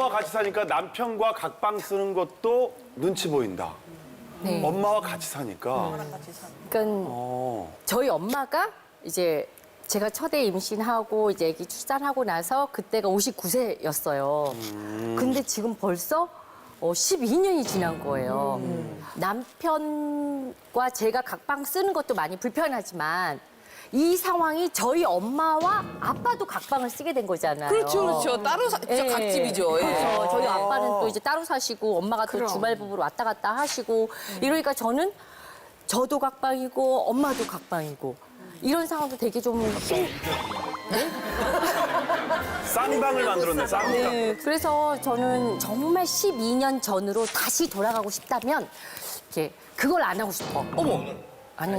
엄마와 같이 사니까 남편과 각방 쓰는 것도 눈치 보인다. 네. 엄마와 같이 사니까. 그러니까 저희 엄마가 이제 제가 첫애 임신하고 이제 아기 출산하고 나서 그때가 59세였어요. 근데 지금 벌써 12년이 지난 거예요. 남편과 제가 각방 쓰는 것도 많이 불편하지만 이 상황이 저희 엄마와 아빠도 각방을 쓰게 된 거잖아요. 그렇죠, 그렇죠. 따로 예. 각집이죠. 예. 그래서 저희 아빠는 또 이제 따로 사시고 엄마가 또 주말 부부로 왔다 갔다 하시고 이러니까 저도 각방이고 엄마도 각방이고 이런 상황도 되게 좀 쌍방을 만들었네, 쌍방. 네, 그래서 저는 정말 12년 전으로 다시 돌아가고 싶다면 이렇게 그걸 안 하고 싶어. 어머. 아니,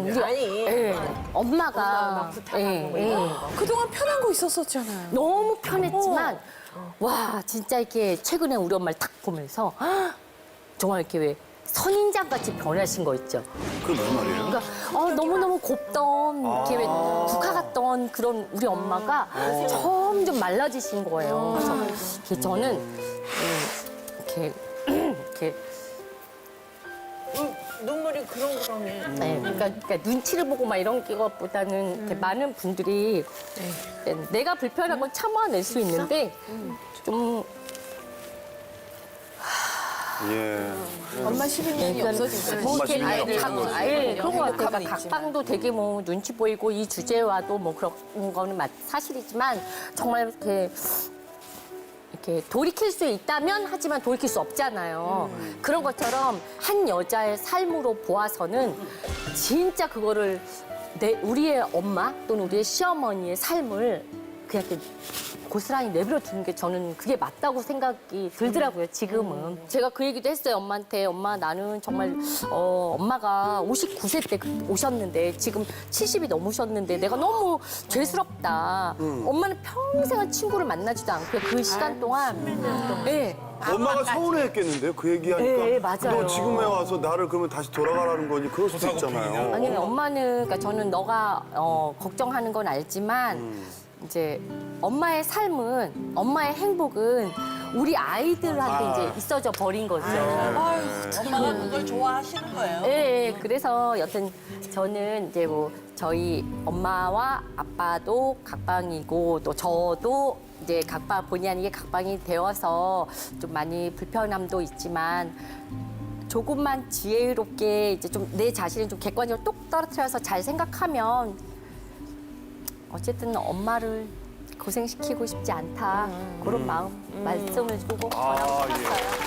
엄마가 그동안 편한 거 있었었잖아요. 너무 편했지만 와 진짜 이렇게 최근에 우리 엄마를 딱 보면서 정말 이렇게 왜 선인장 같이 변하신 거 있죠. 그게 무슨 말이에요? 그러니까 너무너무 곱던 이렇게 왜 국화 같던 그런 우리 엄마가 점점 말라지신 거예요. 그래서 이렇게 저는 이렇게 눈물이 그렁그렁해. 네, 그러니까 눈치를 보고 막 이런 것보다는 이렇게 많은 분들이 내가 불편한 건 참아낼 수 있는데 좀 예. 엄마 12년이 없어진 뭐 엄마 이렇게 신경이 없어진 거지. 그런 것 같아요. 행복함은 각방도 되게 뭐 눈치 보이고 이 주제와도 뭐 그런 거는 사실이지만 정말 이렇게 돌이킬 수 있다면 하지만 돌이킬 수 없잖아요. 그런 것처럼 한 여자의 삶으로 보아서는 진짜 그거를 우리의 엄마 또는 우리의 시어머니의 삶을 그냥 이렇게 고스란히 내버려 두는 게 저는 그게 맞다고 생각이 들더라고요, 지금은. 제가 그 얘기도 했어요, 엄마한테. 엄마, 나는 정말, 엄마가 59세 때 오셨는데, 지금 70이 넘으셨는데, 내가 너무 죄스럽다. 엄마는 평생을 친구를 만나지도 않고, 그 시간 동안. 네. 엄마가 서운해했겠는데요? 그 얘기하니까. 네, 맞아요. 너 지금에 와서 나를 그러면 다시 돌아가라는 거니 그럴 수도 있잖아요. 아니, 엄마는, 그러니까 저는 너가 걱정하는 건 알지만, 이제 엄마의 삶은, 엄마의 행복은 우리 아이들한테 이제 있어져 버린 거죠. 엄마가 그걸 좋아하시는 거예요. 네, 그래서 여튼 저는 이제 뭐 저희 엄마와 아빠도 각방이고 또 저도 이제 각방 본의 아니게 각방이 되어서 좀 많이 불편함도 있지만 조금만 지혜롭게 이제 좀 내 자신을 좀 객관적으로 똑 떨어뜨려서 잘 생각하면 어쨌든 엄마를 고생시키고 싶지 않다. 그런 마음 말씀을 주고 아, 예.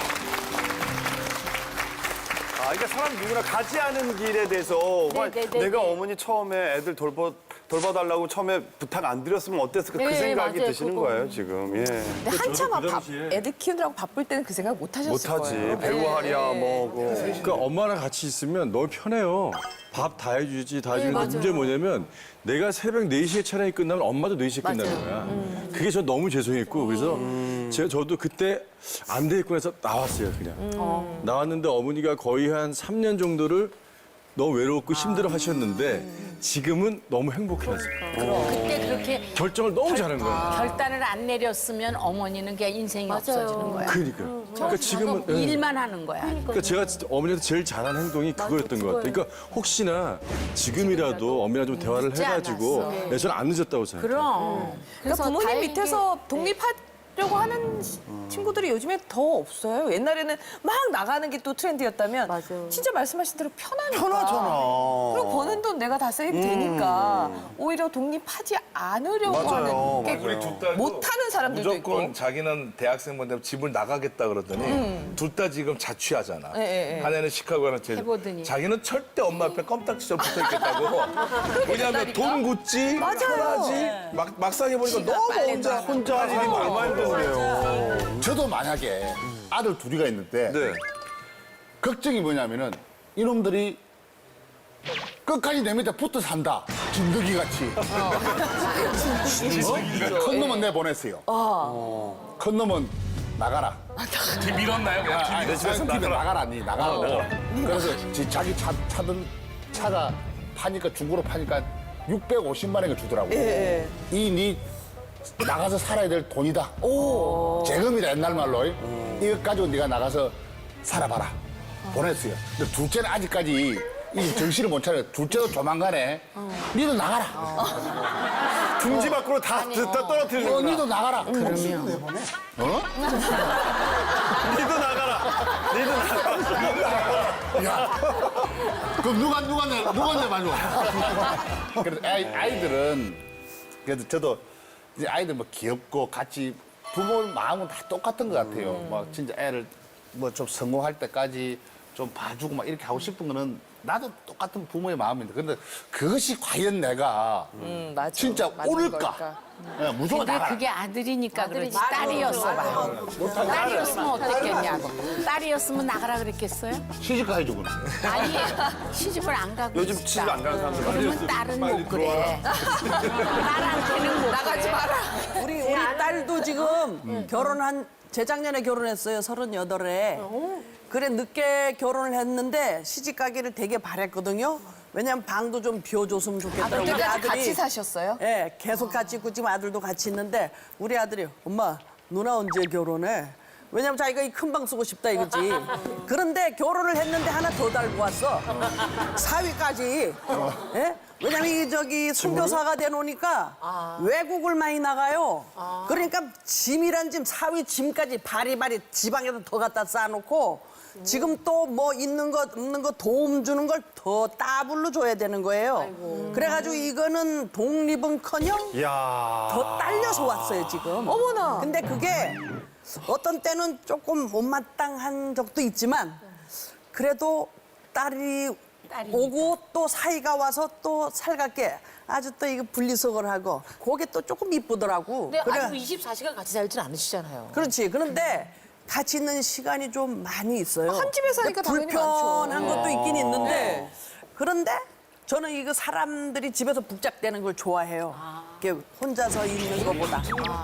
그러니까 사람 누구나 가지 않은 길에 대해서 내가 어머니 처음에 애들 돌봐달라고 처음에 부탁 안 드렸으면 어땠을까 그 네, 생각이 맞아요. 드시는 그거. 거예요, 지금. 예. 근데 한참 애들 키우느라고 바쁠 때는 그 생각 못 하셨을 못하지. 거예요. 배우하랴 뭐. 그러니까 엄마랑 같이 있으면 너무 편해요. 밥 다 해주지, 다 해주는데 문제 뭐냐면 내가 새벽 4시에 촬영이 끝나면 엄마도 4시에 끝나는 거야. 그게 저 너무 죄송했고 그래서 저도 그때 안 되겠구나 해서 나왔어요, 그냥. 나왔는데 어머니가 거의 한 3년 정도를 너무 외롭고 힘들어 하셨는데 지금은 너무 행복해 하세요. 그때 그렇게 결정을 너무 잘한 거야. 결단을 안 내렸으면 어머니는 그냥 인생이 없어지는 거야. 그러니까. 그러니까 지금은 예. 일만 하는 거야. 그러니까 제가 진짜 어머니한테 제일 잘한 행동이 그거였던 것 같아요. 그러니까 혹시나 지금이라도 어머니랑 좀 대화를 해가지고 네, 저는 안 늦었다고 생각해요. 그럼. 그러니까 부모님 밑에서 독립하려고 하는 친구들이 요즘에 더 없어요. 옛날에는 막 나가는 게 또 트렌드였다면 맞아요. 진짜 말씀하신 대로 편하니까. 편하잖아. 그리고 버는 돈 내가 다 세이브 되니까 오히려 독립하지 않으려고 맞아요, 하는 게 맞아요. 둘 딸도 못하는 사람들도 무조건 있고. 자기는 대학생분 되면 집을 나가겠다 그러더니 둘 다 지금 자취하잖아. 예. 하나는 시카고 하나는 제주. 해보더니. 자기는 절대 엄마 앞에 껌딱지점 붙어 있겠다고. 왜냐하면 돈 굳지, 편하지. 막상 해보니까 너무 혼자 살기 얼마나 힘든데요. 저도 만약에 아들 둘이가 있는데 네. 걱정이 뭐냐면은 이놈들이 끝까지 내 밑에 붙어 산다. 진드기 같이. 큰 놈은 내보냈어요. 큰 놈은 나가라. 밀었나요? 그냥 내 집에서 나가라, 니 나가라. 그래서 자기 차가 파니까 중고로 파니까 650만 원을 주더라고. 이 니 나가서 살아야 될 돈이다. 재금이다 옛날 말로. 이거 가지고 네가 나가서 살아봐라. 보냈어요. 근데 둘째는 아직까지 이 정신을 못 차려. 둘째도 조만간에 니도 나가라. 둥지 밖으로 다 떨어뜨리는 거야. 니도 나가라. 니도 나가라. 니도 나가라. 야. 그럼 누가 내 마지막. 그래서 아이들은 그래도 저도 이제 아이들 뭐 귀엽고 같이 부모 마음은 다 똑같은 것 같아요. 막 진짜 애를 뭐 좀 성공할 때까지 좀 봐주고 막 이렇게 하고 싶은 거는 나도 똑같은 부모의 마음인데 근데 그것이 과연 내가 맞아. 진짜 맞는 옳을까? 걸까? 예, 무조건 근데 나가라. 그게 아들이니까 그렇지 딸이었어 봐. 딸이었으면 어땠겠냐고. 딸이었으면 나가라 그랬겠어요? 시집 가야죠 그럼. 아니 시집을 안 가고 요즘 있다. 시집 안 가는 사람들 그러면 딸은 못 그래. 딸한테는 못 나가지 그래. 마라. 우리 딸도 지금 결혼한 재작년에 결혼했어요. 38에. 그래 늦게 결혼을 했는데 시집 가기를 되게 바랬거든요. 왜냐면 방도 좀 비워줬으면 좋겠다. 우리 그때까지 같이 사셨어요? 예, 계속 같이 있고 지금 아들도 같이 있는데 우리 아들이 엄마 누나 언제 결혼해? 왜냐면 자기가 이 큰 방 쓰고 싶다 이거지. 그런데 결혼을 했는데 하나 더 달고 왔어. 사위까지. 예? 왜냐면 이 저기 선교사가 되놓으니까 외국을 많이 나가요. 그러니까 짐이란 짐, 사위 짐까지 바리바리 지방에다 더 갖다 쌓아놓고 지금 또 뭐 있는 것 없는 것 도움 주는 걸 더 따블로 줘야 되는 거예요. 그래가지고 이거는 독립은커녕 이야. 더 딸려서 왔어요 지금. 어머나. 근데 그게 어떤 때는 조금 못마땅한 적도 있지만 그래도 딸이 오고 또 사이가 와서 또 살갑게 아주 또 이거 분리수거를 하고 그게 또 조금 이쁘더라고. 근데 그래. 아주 24시간 같이 살진 않으시잖아요. 그렇지. 그런데 같이 있는 시간이 좀 많이 있어요. 한 집에 사니까 당연히 불편한 많죠. 것도 있긴 있는데 네. 그런데 저는 이거 사람들이 집에서 북적대는 걸 좋아해요. 이렇게 혼자서 있는 것보다.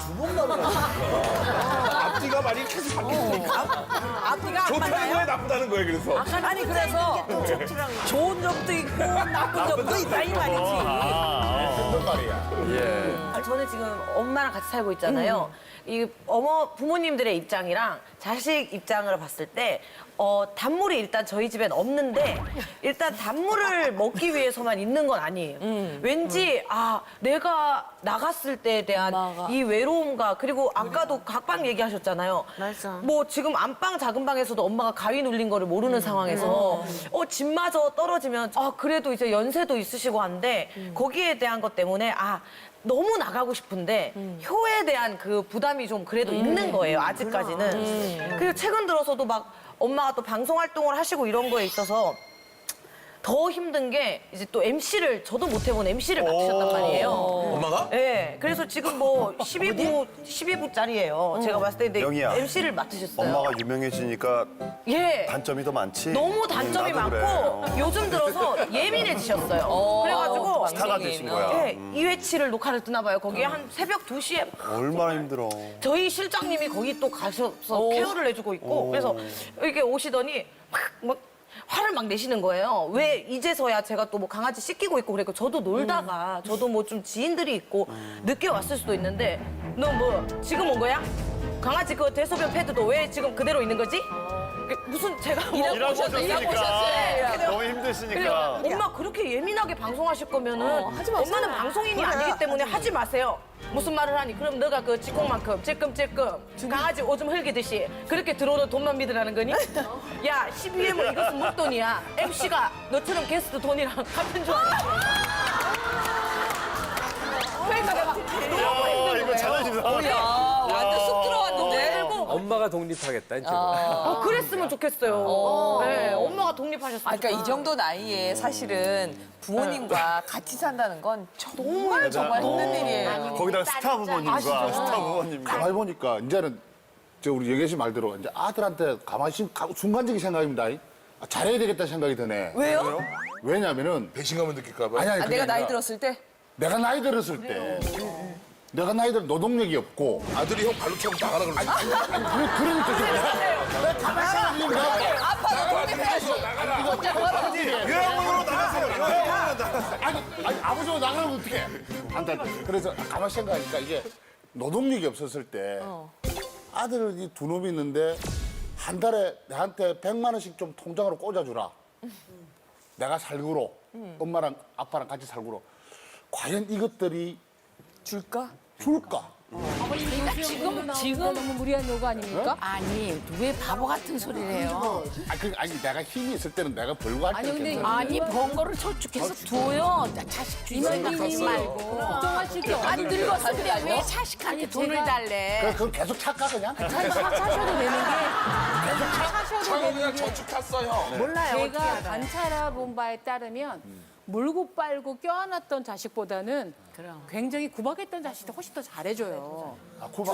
앞뒤가 많이 계속 바뀌니까. 앞뒤가 안 좋다는 맞나요? 거예요, 나쁘다는 거예요, 그래서. 아니 그래서 좋은 점도 있고 나쁜 점도 있다 이 말이지. 무슨 말이야. 아, 저는 지금 엄마랑 같이 살고 있잖아요. 이 부모님들의 입장이랑 자식 입장으로 봤을 때 단물이 일단 저희 집엔 없는데 일단 단물을 먹기 위해서만 있는 건 아니에요. 왠지 내가 나갔을 때에 대한 이 외로움과 그리고 아까도 각방 얘기하셨잖아요. 맞아. 뭐 지금 안방 작은 방에서도 엄마가 가위 눌린 거를 모르는 상황에서 집마저 떨어지면 그래도 이제 연세도 있으시고 한데 거기에 대한 것 때문에 너무 나가고 싶은데 효에 대한 그 부담이 좀 그래도 있는 거예요, 아직까지는. 그리고 최근 들어서도 막 엄마가 또 방송 활동을 하시고 이런 거에 있어서 더 힘든 게 이제 또 MC를 저도 못 해본 MC를 맡으셨단 말이에요. 엄마가? 네, 그래서 지금 뭐 12부짜리예요. 제가 봤을 때 근데 영희야. MC를 맡으셨어요. 엄마가 유명해지니까 예. 단점이 더 많지. 너무 단점이 나도 많고 그래. 요즘 들어서 예민해지셨어요. 그래가지고 스타가 되신 거야. 네, 2회치를 녹화를 뜨나 봐요. 거기에 한 새벽 2시에 얼마나 힘들어. 저희 실장님이 거기 또 가셔서 케어를 해주고 있고 그래서 이렇게 오시더니 막 화를 막 내시는 거예요. 왜 이제서야 제가 또 뭐 강아지 씻기고 있고 그러니까 저도 놀다가 저도 뭐 좀 지인들이 있고 늦게 왔을 수도 있는데 너 뭐 지금 온 거야? 강아지 그 대소변 패드도 왜 지금 그대로 있는 거지? 무슨 제가 뭐 일하고 오셨으니까. 너무 그래요. 힘드시니까. 엄마 그렇게 예민하게 방송하실 거면은 엄마는 방송인이 아니기 때문에 하지 마세요. 무슨 말을 하니? 그럼 너가 그 지콩만큼 찔끔찔끔 강아지 오줌 흘기듯이 그렇게 들어오는 돈만 믿으라는 거니? 야 12회면 이것은 목돈이야. MC가 너처럼 게스트 돈이랑 같은 줄 알아. 그러니까 내가 너무 힘든 이거 자존심 상하다. 완전 쑥 들어왔는데. 엄마가 독립하겠다 이제. 그랬으면 좋겠어요. 네, 엄마가 독립하셨으면 그러니까 이 정도 나이에 사실은 부모님과 같이 산다는 건 정말 정말 힘든 일이에요. 거기다가 스타 부모님과 스타 부모님과. 가만히 보니까 이제는 우리 영애 씨 말대로 이제 아들한테 가만히 순간적인 생각입니다. 잘해야 되겠다 생각이 드네. 왜요? 왜냐면은 배신감을 느낄까 봐. 아니, 그게 내가 나이 아니라 들었을 때? 내가 나이 들었을 때 내가 나이 들 노동력이 없고 아들이 형 발로 채우고 나가라 그러지. 그러니까 내가 가만히 생각해보니까 아빠도 독립해야지. 요양원으로 나가세요. 요양원으로 나가세요. 아니 아버지가 나가면 어떡해? 안 돼. 그래서 가만히 생각하니까 이게 노동력이 없었을 때 아들이 두 놈이 있는데 한 달에 내한테 100만 원씩 좀 통장으로 꽂아주라. 내가 살구로 엄마랑 아빠랑 같이 살구로. 과연 이것들이 줄까? 줄까? 지금 너무 무리한 요구 아닙니까? 아니 왜 바보 같은 소리를 해요? 아니 내가 힘이 있을 때는 내가 벌고 할 때는 괜찮아. 아니 번거를 저축해서 둬요. 자식 주지 생각하지 말고. 걱정하실 게 안 없는데. 늙었는데 왜 자식한테 돈을 달래? 그럼 계속 착가 그냥? 사셔도 되는 차가 그냥 저축 탔어요. 몰라요. 어떻게 제가 알아요? 관찰해 본 바에 따르면 물고 빨고 껴안았던 자식보다는 굉장히 구박했던 자식이 훨씬 더 잘해줘요. 아, 구박.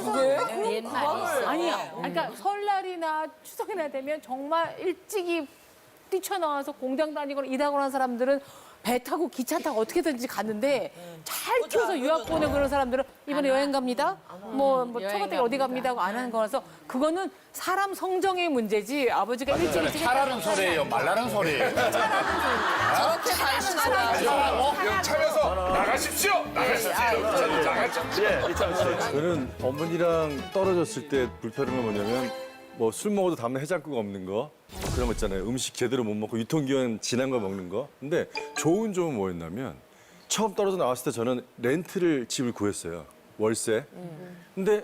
아니야. 그러니까 설날이나 추석이나 되면 정말 일찍이 뛰쳐나와서 공장 다니거나 일하거나 하는 사람들은 배 타고 기차 타고 어떻게든지 갔는데 잘 키워서 유학 보내고 그런 사람들은 이번에 여행 갑니다. 뭐 초가댁 어디 갑니다 하고 안 하는 거라서 그거는 사람 성정의 문제지 아버지가 일찍 차라는 소리예요, 말라는 소리예요. 저렇게 관심하다. 차면서 나가십시오. 나가십시오. 예, 이참 씨. 저는 어머니랑 떨어졌을 때 불편한 건 뭐냐면 뭐 술 먹어도 다음날 해장국 없는 거 그런 거 있잖아요. 음식 제대로 못 먹고 유통기한 지난 거 먹는 거. 근데 좋은 점은 뭐였냐면 처음 떨어져 나왔을 때 저는 렌트를 집을 구했어요. 월세. 근데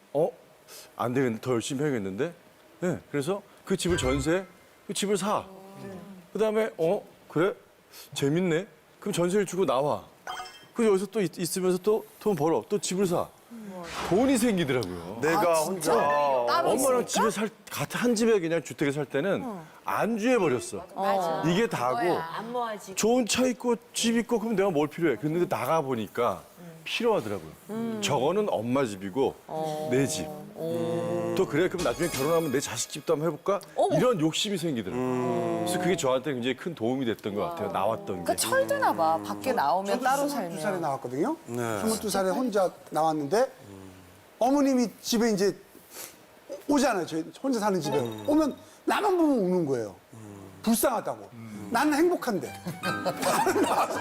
안 되겠는데 더 열심히 해야겠는데. 네, 그래서 그 집을 전세, 그 집을 사. 그다음에 그래 재밌네. 그럼 전세를 주고 나와. 그래서 여기서 또 있으면서 또 돈 벌어. 또 집을 사. 돈이 생기더라고요. 내가 혼자 엄마랑 집에 한 집에 그냥 주택에 살 때는 안주해 버렸어. 이게 다고 좋은 차 있고 집 있고 그럼 내가 뭘 필요해? 그런데 나가 보니까 필요하더라고요. 저거는 엄마 집이고 내 집. 또 그래 그럼 나중에 결혼하면 내 자식 집도 한번 해볼까? 이런 욕심이 생기더라고요. 그래서 그게 저한테 굉장히 큰 도움이 됐던 것 같아요. 나왔던 게. 그러니까 철드나 봐. 밖에 나오면 따로 22살에 살면. 나왔거든요. 22살에 혼자 나왔는데 어머님이 집에 이제 오잖아요. 저희 혼자 사는 집에. 오면 나만 보면 우는 거예요. 불쌍하다고. 나는 행복한데. 다른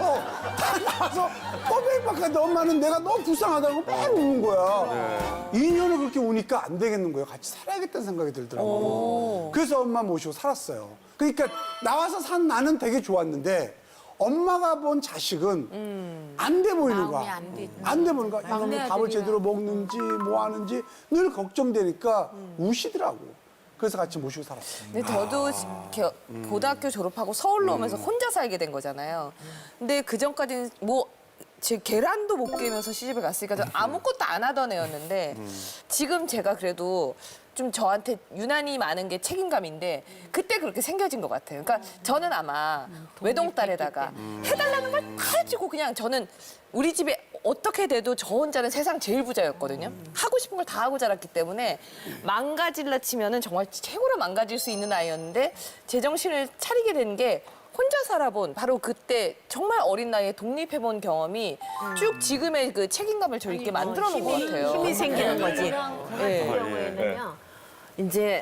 나와서 꼬백박한데 엄마는 내가 너무 불쌍하다고 막 우는 거야. 2년을 그렇게 우니까 안 되겠는 거예요. 같이 살아야겠다는 생각이 들더라고요. 그래서 엄마 모시고 살았어요. 그러니까 나와서 산 나는 되게 좋았는데 엄마가 본 자식은 안 돼 보이는 거야. 안 돼 보이는 거야. 나가면 밥을 제대로 먹는지 뭐 하는지 늘 걱정되니까 우시더라고. 그래서 같이 모시고 살았어요. 근데 저도 고등학교 졸업하고 서울로 오면서 혼자 살게 된 거잖아요. 근데 그 전까지는 뭐 제 계란도 못 깨면서 시집을 갔으니까 저 아무것도 안 하던 애였는데 지금 제가 그래도 좀 저한테 유난히 많은 게 책임감인데 그때 그렇게 생겨진 것 같아요. 그러니까 저는 아마 외동딸에다가 해달라는 걸 다 해주고 그냥 저는 우리 집에 어떻게 돼도 저 혼자는 세상 제일 부자였거든요. 하고 싶은 걸 다 하고 자랐기 때문에 망가질라 치면은 정말 최고로 망가질 수 있는 아이였는데 제정신을 차리게 된 게 혼자 살아본 바로 그때 정말 어린 나이에 독립해본 경험이 쭉 지금의 그 책임감을 저 있게 만들어 놓은 것 같아요. 힘이 생기는 거지. 네. 경우에는요. 이제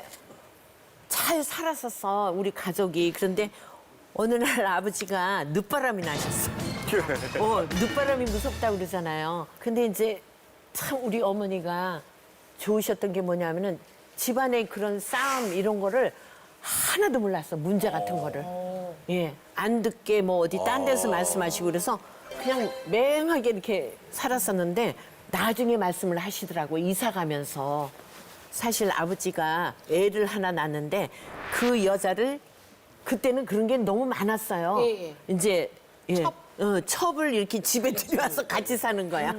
잘 살았었어 우리 가족이. 그런데 어느 날 아버지가 늦바람이 나셨어. 늦바람이 무섭다고 그러잖아요. 근데 이제 참 우리 어머니가 좋으셨던 게 뭐냐면은 집안의 그런 싸움 이런 거를 하나도 몰랐어. 문제 같은 거를. 예. 안 듣게 뭐 어디 딴 데서 말씀하시고 그래서 그냥 맹하게 이렇게 살았었는데 나중에 말씀을 하시더라고. 이사 가면서. 사실 아버지가 애를 하나 낳았는데 그 여자를 그때는 그런 게 너무 많았어요. 이제 첩을 이렇게 집에 들여와서 같이 사는 거야.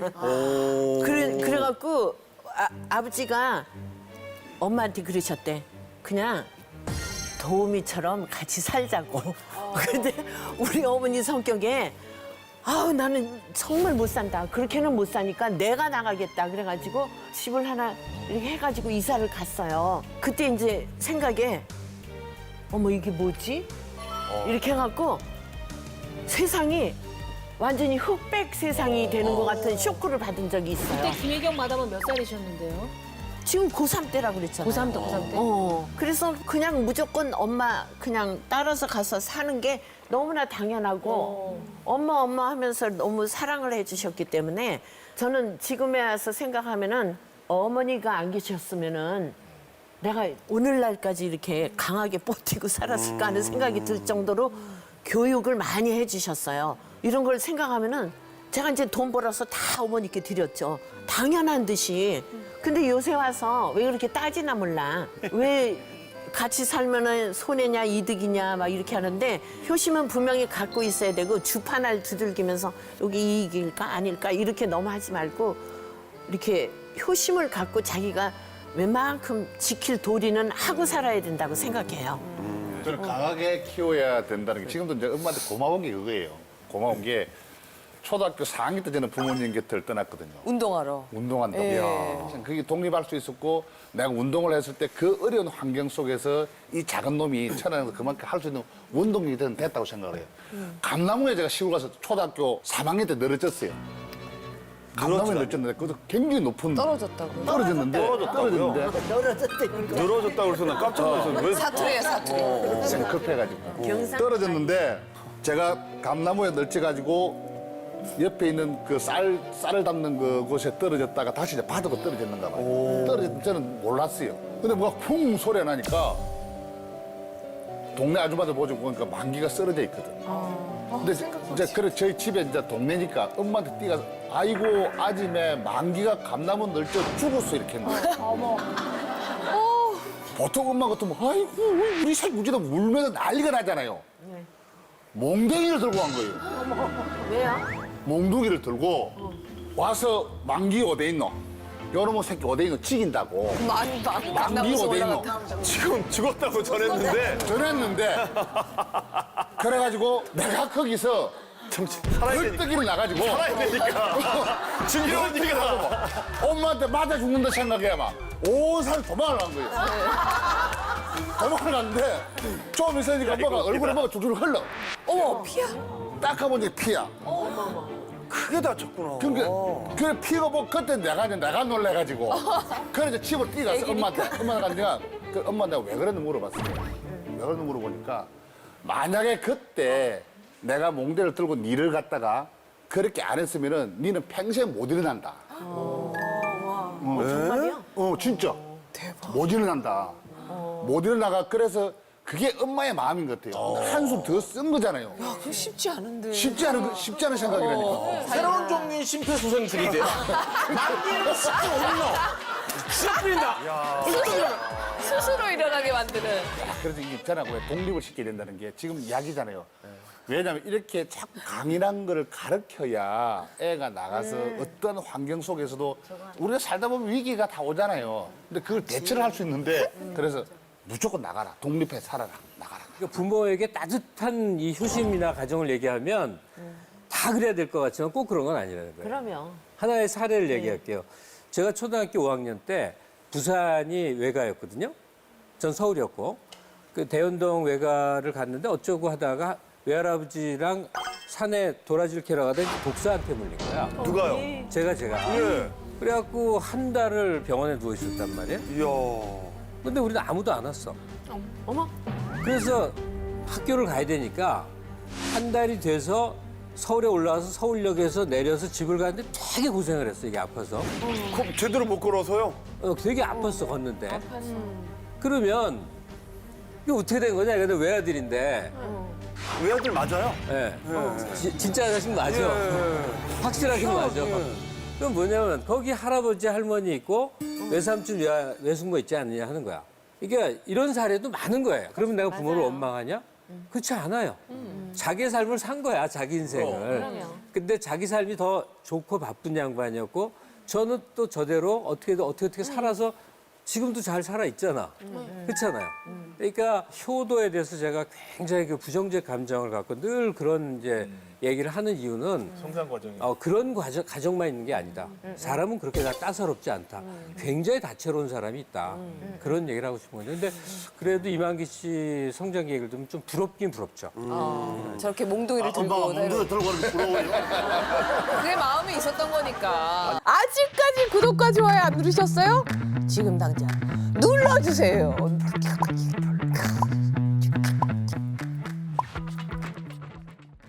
그래갖고 아버지가 엄마한테 그러셨대. 그냥 도우미처럼 같이 살자고. 근데 우리 어머니 성격에 나는 정말 못 산다. 그렇게는 못 사니까 내가 나가겠다. 그래가지고 집을 하나 이렇게 해가지고 이사를 갔어요. 그때 이제 생각에 어머 이게 뭐지? 이렇게 해갖고 세상이 완전히 흑백 세상이 되는 것 같은 쇼크를 받은 적이 있어요. 그때 김혜경 마담은 몇 살이셨는데요? 지금 고3 때라고 그랬잖아요. 고3 때? 그래서 그냥 무조건 엄마 그냥 따라서 가서 사는 게 너무나 당연하고 엄마 하면서 너무 사랑을 해주셨기 때문에 저는 지금에 와서 생각하면은 어머니가 안 계셨으면은 내가 오늘날까지 이렇게 강하게 버티고 살았을까 하는 생각이 들 정도로 교육을 많이 해주셨어요. 이런 걸 생각하면은 제가 이제 돈 벌어서 다 어머니께 드렸죠. 당연한 듯이. 근데 요새 와서 왜 그렇게 따지나 몰라. 왜 같이 살면은 손해냐 이득이냐 막 이렇게 하는데 효심은 분명히 갖고 있어야 되고 주판을 두들기면서 여기 이익일까 아닐까 이렇게 너무 하지 말고 이렇게 효심을 갖고 자기가 웬만큼 지킬 도리는 하고 살아야 된다고 생각해요. 저는 강하게 키워야 된다는 게 지금도 이제 엄마한테 고마운 게 그거예요. 고마운 게 초등학교 4학년 때 저는 부모님 곁을 떠났거든요. 운동하러. 운동한다고. 참 그게 독립할 수 있었고 내가 운동을 했을 때 그 어려운 환경 속에서 이 작은 놈이 천안에서 그만큼 할 수 있는 운동이 됐다고 생각을 해요. 감나무에 제가 시골 가서 초등학교 3학년 때 늘어졌어요. 감나무에 늘어졌는데 그것도 굉장히 높은 떨어졌다고요? 떨어졌는데 늘어졌다고 그래서 나 깜짝 놀랐어. 왜? 사투리예요, 사투리. 제가 급해가지고 떨어졌는데 제가 감나무에 널쳐가지고 옆에 있는 그 쌀을 담는 그 곳에 떨어졌다가 다시 이제 바닥으로 떨어졌는가 봐요. 떨어졌을 저는 몰랐어요. 근데 뭐가 쿵 소리가 나니까 동네 아줌마들 보고 보니까 만기가 쓰러져 있거든. 근데 이제 그래 저희 집에 이제 동네니까 엄마한테 뛰어가서 아이고 아침에 만기가 감나무 널쳐 죽었어 이렇게 했는 거예요. 보통 엄마 같으면 아이고 우리 살 무지다 울면서 난리가 나잖아요. 몽둥이를 들고 간 거예요. 왜요? 몽둥이를 들고 와서 만기 어디 있노? 여러분 새끼 어디 있노? 죽인다고. 만기 어디 있노? 지금 죽었다고 전했는데. 그래가지고 내가 거기서 살아야 되니까. 헐떡이를 나가지고 살아야 되니까. 죽이니까. 엄마한테 맞아 죽는다 생각해 막 오살 도망을 간 거예요. 도망을 갔는데 좀 있으니까 엄마가 얼굴에 뭐가 줄줄 흘러. 어머, 피야. 딱 가면 이제 피야. 크게 다쳤구나. 그래 피가 뭐 그때 내가 놀래가지고 그래서 집을 뛰어갔어 엄마한테. 엄마가 내가 그 엄마 내가 왜 그랬는지 물어봤어요. 왜 그랬는지 물어보니까 만약에 그때 내가 몽대를 들고 니를 갖다가 그렇게 안 했으면은 니는 평생 못 일어난다. 정말이요? 진짜. 대박. 못 일어난다. 못 일어나가 그래서 그게 엄마의 마음인 것 같아요. 한숨 더 쓴 거잖아요. 그거 쉽지 않은데. 쉽지 않은 생각이라니까. 새로운 종류의 심폐소생술이 돼. 만기는 싹 올려. 싹 뿌린다. 스스로 일어나게 만드는. 그래서 이게 있잖아요. 왜 독립을 시켜야 된다는 게 지금 이야기잖아요. 왜냐하면 이렇게 자꾸 강인한 거를 가르쳐야 애가 나가서 어떤 환경 속에서도 우리가 살다 보면 위기가 다 오잖아요. 근데 그걸 대처를 할 수 있는데 그래서 무조건 나가라. 독립해 살아라. 나가라. 그러니까 부모에게 따뜻한 이 효심이나 가정을 얘기하면 다 그래야 될 것 같지만 꼭 그런 건 아니라는 거예요. 그러면. 하나의 사례를 얘기할게요. 제가 초등학교 5학년 때 부산이 외가였거든요. 전 서울이었고 그 대연동 외가를 갔는데 어쩌고 하다가 외할아버지랑 산에 도라지를 캐러 가다 독사한테 물린 거야. 누가요? 제가. 예. 그래갖고 한 달을 병원에 누워 있었단 말이에요. 이야. 근데 우리는 아무도 안 왔어. 어머. 그래서 학교를 가야 되니까 한 달이 돼서 서울에 올라와서 서울역에서 내려서 집을 가는데 되게 고생을 했어, 이게 아파서. 그럼 제대로 못 걸어서요? 되게 아팠어, 걷는데. 그러면 이게 어떻게 된 거냐? 근데 외아들인데. 외아들 맞아요? 예. 진짜 자식 맞아. 확실하게 맞아. 그럼 뭐냐면 거기 할아버지 할머니 있고 외삼촌 외숙모 있지 않느냐 하는 거야. 그러니까 이런 사례도 많은 거예요. 그러면 내가 부모를 원망하냐? 그렇지 않아요. 자기의 삶을 산 거야, 자기 인생을. 근데 자기 삶이 더 좋고 바쁜 양반이었고 저는 또 저대로 어떻게 살아서 지금도 잘 살아 있잖아. 그렇잖아요. 그러니까 효도에 대해서 제가 굉장히 그 부정적 감정을 갖고 늘 그런 이제 얘기를 하는 이유는 성장 과정이. 그런 가정만 있는 게 아니다. 사람은 그렇게 다 따사롭지 않다. 굉장히 다채로운 사람이 있다. 그런 얘기를 하고 싶은 거죠. 근데 그래도 이만기 씨 성장 얘기를 들으면 좀 부럽긴 부럽죠. 저렇게 몽둥이를 들고. 몽둥이 들고 이렇게 부러워요. 그게 마음이 있었던 거니까. 아직까지 구독과 좋아요 안 누르셨어요? 지금 당장 눌러주세요.